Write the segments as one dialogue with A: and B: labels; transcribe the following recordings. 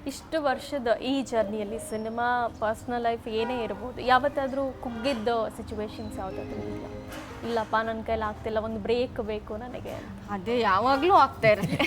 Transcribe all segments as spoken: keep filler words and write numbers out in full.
A: ಇಷ್ಟು ವರ್ಷದ ಈ ಜರ್ನಿಯಲ್ಲಿ ಸಿನಿಮಾ ಪರ್ಸ್ನಲ್ ಲೈಫ್ ಏನೇ ಇರ್ಬೋದು, ಯಾವತ್ತಾದರೂ ಕುಗ್ಗಿದ್ದ ಸಿಚುವೇಶನ್ಸ್ ಯಾವುದಾದ್ರೂ ಇಲ್ಲ, ಇಲ್ಲಪ್ಪ ನನ್ನ ಕೈಲಿ ಆಗ್ತಿಲ್ಲ, ಒಂದು ಬ್ರೇಕ್ ಬೇಕು ನನಗೆ?
B: ಅದೇ ಯಾವಾಗಲೂ ಆಗ್ತಾ ಇರುತ್ತೆ.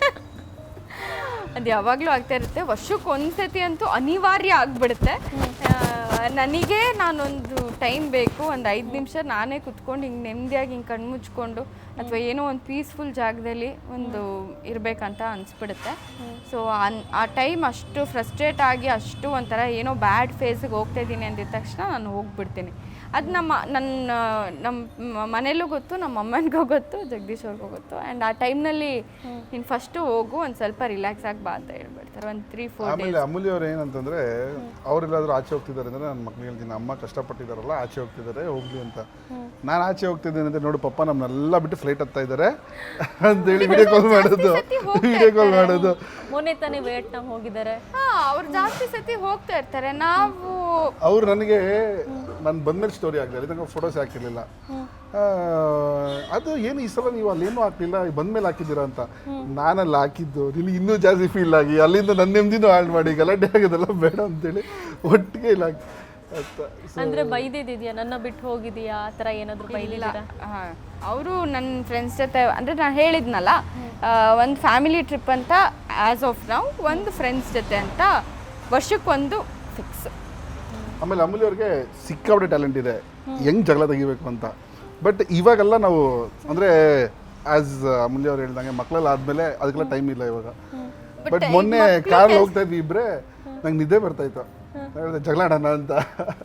B: ಅದು ಯಾವಾಗಲೂ ಆಗ್ತಾ ಇರುತ್ತೆ. ವರ್ಷಕ್ಕೆ ಒಂದ್ಸತಿ ಅಂತೂ ಅನಿವಾರ್ಯ ಆಗಿಬಿಡುತ್ತೆ. ನನಗೆ ನಾನೊಂದು ಟೈಮ್ ಬೇಕು, ಒಂದು ಐದು ನಿಮಿಷ ನಾನೇ ಕುತ್ಕೊಂಡು ಹಿಂಗೆ ನೆಮ್ಮದಿಯಾಗಿ ಹಿಂಗೆ ಕಣ್ಣು ಮುಚ್ಕೊಂಡು ಅಥವಾ ಏನೋ ಒಂದು ಪೀಸ್ಫುಲ್ ಜಾಗದಲ್ಲಿ ಒಂದು ಇರಬೇಕಂತ ಅನಿಸ್ಬಿಡುತ್ತೆ. ಸೊ ಅನ್ ಆ ಟೈಮ್ ಅಷ್ಟು ಫ್ರಸ್ಟ್ರೇಟ್ ಆಗಿ ಅಷ್ಟು ಒಂಥರ ಏನೋ ಬ್ಯಾಡ್ ಫೇಸಿಗೆ ಹೋಗ್ತಾ ಇದ್ದೀನಿ ಅಂದಿದ ತಕ್ಷಣ ನಾನು ಹೋಗ್ಬಿಡ್ತೀನಿ. ಅದು ನಮ್ಮ ನನ್ನ ನಮ್ಮ ಮನೇಲೂ ಗೊತ್ತು, ನಮ್ಮ ಅಮ್ಮನಿಗೂ ಗೊತ್ತು, ಜಗದೀಶ್ ಅವ್ರಿಗೂ ಗೊತ್ತು. ಆ್ಯಂಡ್ ಆ ಟೈಮ್ನಲ್ಲಿ ನೀನು ಫಸ್ಟು ಹೋಗು, ಒಂದು ಸ್ವಲ್ಪ ರಿಲ್ಯಾಕ್ಸ್ ಆಗಿ ಬಾ ಅಂತ ಹೇಳ್ಬಿಡ್ತಾರೆ. ಒಂದು ತ್ರೀ ಫೋರ್
C: ಆಮೇಲೆ ಅಮೂಲ್ಯ ಅವ್ರು ಏನಂತಂದರೆ, ಅವರೆಲ್ಲಾದ್ರೂ ಆಚೆ ಹೋಗ್ತಿದ್ದಾರೆ ಅಂದರೆ ನನ್ನ ಮಕ್ಳಿಗೆ ಹೇಳ್ತೀನಿ, ಅಮ್ಮ ಕಷ್ಟಪಟ್ಟಿದ್ದಾರಲ್ಲ ಆಚೆ ಹೋಗ್ತಿದ್ದಾರೆ ಹೋಗ್ಲಿ ಅಂತ. ನಾನು ಆಚೆ ಹೋಗ್ತಿದ್ದೇನೆ ಅಂದರೆ ನೋಡು ಪಪ್ಪ ನಮ್ಮನ್ನೆಲ್ಲ ಬಿಟ್ಟು ಫ್ಲೈಟ್ ಹತ್ತಾ ಇದ್ದಾರೆ ಅಂತೇಳಿ ವಿಡಿಯೋ ಕಾಲ್ ಮಾಡೋದು ವಿಡಿಯೋ ಕಾಲ್ ಮಾಡೋದು
A: ಮೊನ್ನೆ ತಾನೇ ವಿಯೆಟ್ನಾಂ ಹೋಗಿದ್ದಾರೆ.
B: ಹಾಂ, ಅವ್ರು ಜಾಸ್ತಿ ಸತಿ ಹೋಗ್ತಾ ಇರ್ತಾರೆ. ನಾವು
C: ಅವ್ರು ನನಗೆ ನಾನು ಬಂದ್ಮೇಲೆ ಸ್ಟೋರಿ ಆಗಲಿಲ್ಲ, ನಂಗೆ ಫೋಟೋಸ್ ಹಾಕಿರಲಿಲ್ಲ. ಅದು ಏನು ಈ ಸಲ ನೀವು ಅಲ್ಲೇನೂ ಹಾಕ್ಲಿಲ್ಲ, ಬಂದ್ಮೇಲೆ ಹಾಕಿದ್ದೀರಾ ಅಂತ. ನಾನಲ್ಲಿ ಹಾಕಿದ್ದು ನಿನಗೆ ಇನ್ನೂ ಜಾಸ್ತಿ ಫೀಲ್ ಆಗಿ ಅಲ್ಲಿಂದ ನನ್ನ ನೆಮ್ಮದಿನೂ ಹಾಳು ಮಾಡಿ ಗಲಾಟೆ ಆಗೋದೆಲ್ಲ ಬೇಡ ಅಂತೇಳಿ ಒಟ್ಟಿಗೆ ಇಲ್ಲ
A: ಅಂದ್ರೆ ಬೈದಿದ್ಯಾ, ನನ್ನ ಬಿಟ್ಟು ಹೋಗಿದೀಯಾ ಆ ಥರ ಏನಾದರೂ ಬೈಲಿಲ್ಲ?
B: ಹಾಂ, ಅವರು ನನ್ನ ಫ್ರೆಂಡ್ಸ್ ಜೊತೆ ಅಂದರೆ ನಾನು ಹೇಳಿದ್ನಲ್ಲ, ಒಂದು ಫ್ಯಾಮಿಲಿ ಟ್ರಿಪ್ ಅಂತ ಆ್ಯಸ್ ಆಫ್ ನಾವು, ಒಂದು ಫ್ರೆಂಡ್ಸ್ ಜೊತೆ ಅಂತ ವರ್ಷಕ್ಕೊಂದು ಫಿಕ್ಸ್.
C: ಆಮೇಲೆ ಅಮೂಲ್ಯ ಅವ್ರಿಗೆ ಸಿಕ್ಕಾಪಟ್ಟೆ ಟ್ಯಾಲೆಂಟ್ ಇದೆ ಹೆಂಗೆ ಜಗಳ ತೆಗಿಬೇಕು ಅಂತ. ಬಟ್ ಇವಾಗೆಲ್ಲ ನಾವು ಅಂದರೆ ಆ್ಯಸ್ ಅಮೂಲ್ಯ ಅವ್ರು ಹೇಳ್ದಂಗೆ ಮಕ್ಕಳೆಲ್ಲ ಆದಮೇಲೆ ಅದಕ್ಕೆಲ್ಲ ಟೈಮ್ ಇಲ್ಲ ಇವಾಗ. ಬಟ್ ಮೊನ್ನೆ ಕಾರಲ್ಲಿ ಹೋಗ್ತಾ ಇದ್ವಿ ಇಬ್ಬರೇ, ನಂಗೆ ನಿದ್ದೆ ಬರ್ತಾಯಿತ್ತು, ಹೇಳಿದೆ ಜಗಳ ಆಡೋಣ ಅಂತ.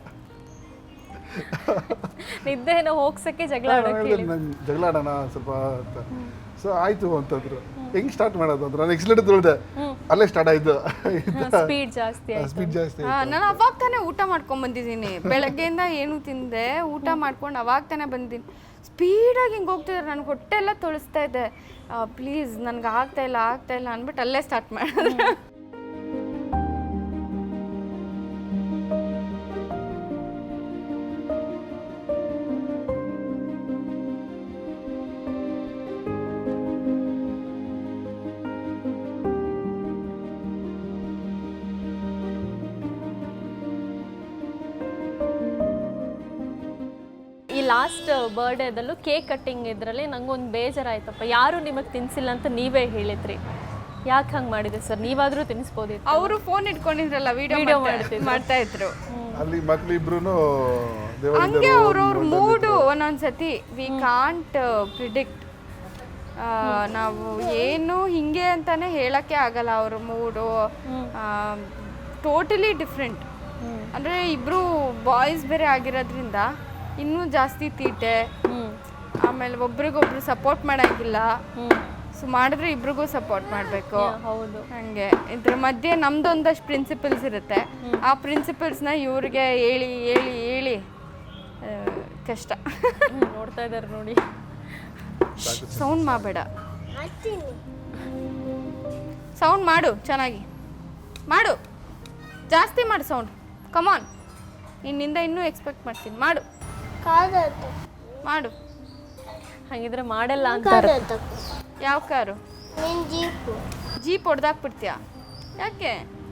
A: ನಿದ್ದೆನ ಹೋಗ್ಸಕ್ಕೆ ಜಗಳ
C: ನಂಗೆ ಜಗಳ ಆಡೋಣ ಸ್ವಲ್ಪ ಅಂತ. ಸೊ ಆಯಿತು ಅಂತಂದ್ರು. ಹೆಂಗೆ ಸ್ಟಾರ್ಟ್ ಮಾಡೋದು ಅಂದ್ರೆ ನಾನು ಎಕ್ಸಿಲೇಟರ್ ತೊಳ್ದೆ, ಅಲ್ಲೇ ಸ್ಟಾರ್ಟ್ ಆಯಿತು.
A: ಸ್ಪೀಡ್ ಜಾಸ್ತಿ
C: ಸ್ಪೀಡ್ ಜಾಸ್ತಿ.
B: ನಾನು ಅವಾಗ ತಾನೇ ಊಟ ಮಾಡ್ಕೊಂಡು ಬಂದಿದ್ದೀನಿ. ಬೆಳಗ್ಗೆಯಿಂದ ಏನು ತಿಂದೆ, ಊಟ ಮಾಡ್ಕೊಂಡು ಅವಾಗ ತಾನೇ ಬಂದಿದ್ದೀನಿ. ಸ್ಪೀಡಾಗಿ ಹಿಂಗೆ ಹೋಗ್ತಿದ್ದಾರೆ, ನನಗೆ ಹೊಟ್ಟೆ ಎಲ್ಲ ತೊಳಿಸ್ತಾ ಇದೆ. ಪ್ಲೀಸ್ ನನಗೆ ಆಗ್ತಾ ಇಲ್ಲ ಆಗ್ತಾ ಇಲ್ಲ ಅಂದ್ಬಿಟ್ಟು ಅಲ್ಲೇ ಸ್ಟಾರ್ಟ್ ಮಾಡಿದ್ರೆ.
A: ಈ ಲಾಸ್ಟ್ ಬರ್ಡೇದಲ್ಲೂ ಕೇಕ್ ಕಟ್ಟಿಂಗ್ ಇದರಲ್ಲಿ ನಂಗೊಂದು ಬೇಜಾರಾಯ್ತಪ್ಪ, ಯಾರು ನಿಮಗೆ ತಿನ್ಸಿಲ್ಲ ಅಂತ ನೀವೇ ಹೇಳಿದ್ರಿ. ಯಾಕೆ ಹಂಗೆ ಮಾಡಿದೆ ಸರ್? ನೀವಾದರೂ ತಿನ್ನಿಸ್ಬೋದಿತ್ತು.
B: ಅವರು ಫೋನ್ ಇಟ್ಕೊಂಡಿದ್ರಲ್ಲ, ವಿಡಿಯೋ ಮಾಡ್ತಾ ಇದ್ರು.
C: ಅಲ್ಲಿ ಮಕ್ಳಿಬ್ರು
B: ಹಂಗೆ ಅವ್ರವ್ರ ಮೂಡು ಒಂದೊಂದ್ಸತಿ ವಿ ಕಾಂಟ್ ಪ್ರಿಡಿಕ್ಟ್. ನಾವು ಏನು ಹಿಂಗೆ ಅಂತಾನೆ ಹೇಳಕ್ಕೆ ಆಗಲ್ಲ. ಅವ್ರ ಮೂಡು ಟೋಟಲಿ ಡಿಫ್ರೆಂಟ್. ಅಂದರೆ ಇಬ್ಬರು ಬಾಯ್ಸ್ ಬೇರೆ ಆಗಿರೋದ್ರಿಂದ ಇನ್ನೂ ಜಾಸ್ತಿ ತೀಟೆ. ಆಮೇಲೆ ಒಬ್ರಿಗೊಬ್ರು ಸಪೋರ್ಟ್ ಮಾಡೋಂಗಿಲ್ಲ. ಸೊ ಮಾಡಿದ್ರೆ ಇಬ್ರಿಗೂ ಸಪೋರ್ಟ್ ಮಾಡಬೇಕು.
A: ಹೌದು,
B: ಹಂಗೆ ಇದ್ರ ಮಧ್ಯೆ ನಮ್ದೊಂದಷ್ಟು ಪ್ರಿನ್ಸಿಪಲ್ಸ್ ಇರುತ್ತೆ. ಆ ಪ್ರಿನ್ಸಿಪಲ್ಸ್ನ ಇವ್ರಿಗೆ ಹೇಳಿ ಹೇಳಿ ಹೇಳಿ ಕಷ್ಟ.
A: ನೋಡ್ತಾ ಇದ್ದಾರೆ ನೋಡಿ.
B: ಸೌಂಡ್ ಮಾಡಬೇಡ, ಸೌಂಡ್ ಮಾಡು, ಚೆನ್ನಾಗಿ ಮಾಡು, ಜಾಸ್ತಿ ಮಾಡು ಸೌಂಡ್. ಕಮಾನ್, ನಿನ್ನಿಂದ ಇನ್ನೂ ಎಕ್ಸ್ಪೆಕ್ಟ್ ಮಾಡ್ತೀನಿ. ಮಾಡು ಮಾಡು.
A: ಹಾಗಿದ್ರೆ ಮಾಡಲ್ಲ ಅಂತಾರೆ.
B: ಯಾವ ಕಾರು? ಜೀಪ್ ಹೊಡೆದಾಕ್ಬಿಡ್ತೀಯಾ? ಯಾಕೆ?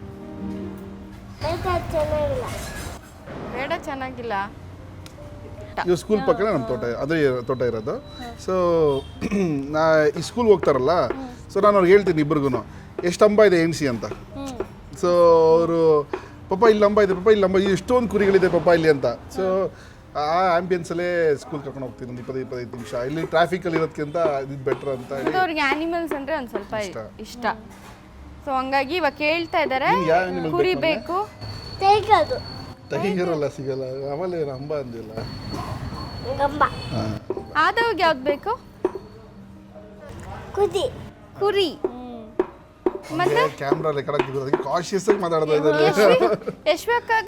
B: ಬೇಡ, ಚೆನ್ನಾಗಿಲ್ಲ.
C: ಇವ್ ಸ್ಕೂಲ್ ಪಕ್ಕನೇ ನಮ್ಮ ತೋಟ, ಅದೇ ತೋಟ ಇರೋದು. ಸೊ ನಾ ಈ ಸ್ಕೂಲ್ಗೆ ಹೋಗ್ತಾರಲ್ಲ, ಸೊ ನಾನು ಅವ್ರಿಗೆ ಹೇಳ್ತೀನಿ ಇಬ್ರಿಗೂ ಎಷ್ಟು ಅಂಬ ಇದೆ ಎಣ್ಸಿ ಅಂತ. ಸೊ ಅವರು ಪಪ್ಪ ಇಲ್ಲಿ ಅಂಬ ಇದೆ, ಪಪ್ಪ ಇಲ್ಲಿ ಅಂಬ, ಎಷ್ಟೊಂದು ಕುರಿಗಳಿದೆ ಪಪ್ಪ ಇಲ್ಲಿ ಅಂತ. ಸೊ ಆ ಆಂಬಿಯನ್ಸಲ್ಲೇ ಸ್ಕೂಲ್ ಕರ್ಕೊಂಡು ಹೋಗ್ತೀನಿ ಒಂದು ಇಪ್ಪತ್ತು ಇಪ್ಪತ್ತೈದು ನಿಮಿಷ. ಇಲ್ಲಿ ಟ್ರಾಫಿಕಲ್ಲಿ ಇರೋದಕ್ಕಿಂತ ಇದು ಬೆಟ್ರ್ ಅಂತ ಹೇಳಿ.
B: ಅವ್ರಿಗೆ ಆ್ಯನಿಮಲ್ಸ್ ಅಂದರೆ ಒಂದು ಸ್ವಲ್ಪ ಇಷ್ಟ. ಸೊ ಹಂಗಾಗಿ ಇವಾಗ ಕೇಳ್ತಾ ಇದ್ದಾರೆ, ಕುರಿ ಬೇಕು.
C: ಟೈಗರಲ್ಲ ಸಿಗಲ್ಲ, ಆಮೇಲೆ ಅಂಬ ಅಂದಿಲ್ಲ.
B: ಆದವಾಗ ಯಾವ್ದು ಬೇಕು? ಕುರಿ.
C: ಮತ್ತೆ ಕ್ಯಾಮ್ರಾ ರೆಕಾರ್ಡ್ ಆಗ್ತಿದ್ರು, ಅದಕ್ಕೆ ಕಾಶಿಯಸ್ ಆಗಿ ಮಾತಾಡ್ತಾ ಇದ್ದಾರೆ.
B: ಯಶ್ವಕ್ಕಾಗ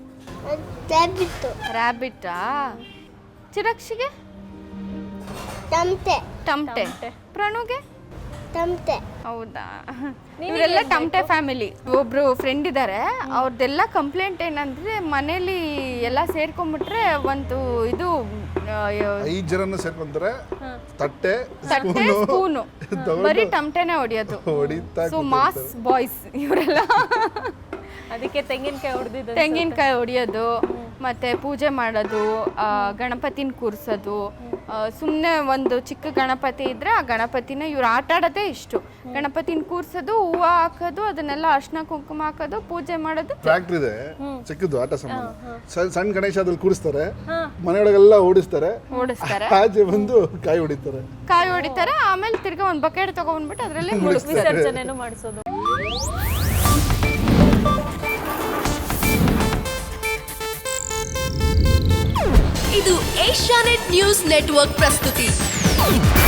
B: ರ್ಯಾಬಿಟ್ಟಾ? ಚಿರಕ್ಷಿಗೆ ಟಮ್ಟೆ. ಪ್ರಣುಗೆ
D: ತಮಟೆ.
B: ಹೌದಾ, ಇವರೆಲ್ಲ ಟಮಟೆ ಫ್ಯಾಮಿಲಿ. ಒಬ್ರು ಫ್ರೆಂಡ್ ಇದ್ದಾರೆ, ಅವ್ರದ್ದೆಲ್ಲ ಕಂಪ್ಲೇಂಟ್ ಏನಂದ್ರೆ ಮನೇಲಿ ಎಲ್ಲ ಸೇರ್ಕೊಂಡ್ಬಿಟ್ರೆ ಒಂದು ಇದು
C: ಐದು ಜನನ ಸೇರ್ಕೊಂತಾರೆ, ತಟ್ಟೆ
B: ತಟ್ಟೆ ಸ್ಪೂನು ಬರೀ ಟಮಟೆನೆ ಹೊಡಿಯೋದು.
C: ಹೊಡಿತಾ
B: ಸೊ ಮಾಸ್ ಬಾಯ್ಸ್ ಇವರೆಲ್ಲ.
A: ಅದಕ್ಕೆ ತೆಂಗಿನಕಾಯಿ ಹೊಡೆದಿದ್ದು
B: ತೆಂಗಿನಕಾಯಿ ಹೊಡಿಯೋದು, ಮತ್ತೆ ಪೂಜೆ ಮಾಡೋದು, ಆ, ಗಣಪತಿನ ಕೂರಿಸೋದು. ಸುಮ್ಮನೆ ಒಂದು ಚಿಕ್ಕ ಗಣಪತಿ ಇದ್ರೆ ಆ ಗಣಪತಿನ ಇವ್ರು ಆಟ ಆಡೋದೇ ಇಷ್ಟು. ಗಣಪತಿನ ಕೂರಿಸೋದು, ಹೂವು ಹಾಕೋದು, ಅದನ್ನೆಲ್ಲ ಅರ್ಶಿನ ಕುಂಕುಮ ಹಾಕೋದು, ಪೂಜೆ ಮಾಡೋದು.
C: ಫ್ಯಾಕ್ಟ್ರಿ ಇದೆ ಚಿಕ್ಕದು ಆಟ ಸಾಮಾನು, ಸಣ್ಣ ಗಣೇಶ ಅದ್ರಲ್ಲಿ ಕೂರಿಸ್ತಾರೆ, ಮನೆಯೊಳಗೆಲ್ಲ ಓಡಿಸ್ತಾರೆ,
B: ಓಡಿಸ್ತಾರೆ,
C: ಆಚೆ ಬಂದು ಕಾಯಿ ಹೊಡಿತಾರೆ.
B: ಕಾಯಿ ಹೊಡಿತಾರೆ, ಆಮೇಲೆ ತಿರ್ಗಾ ಒಂದು ಬಕೆಟ್ ತಗೊಂಡ್ಬಿಟ್ಟು ಅದರಲ್ಲಿ
A: ವಿಸರ್ಜನೆನೂ ಮಾಡಿಸೋದು.
E: ಇದು ಏಷ್ಯಾನೆಟ್ ನ್ಯೂಸ್ ನೆಟ್ವರ್ಕ್ ಪ್ರಸ್ತುತಿ.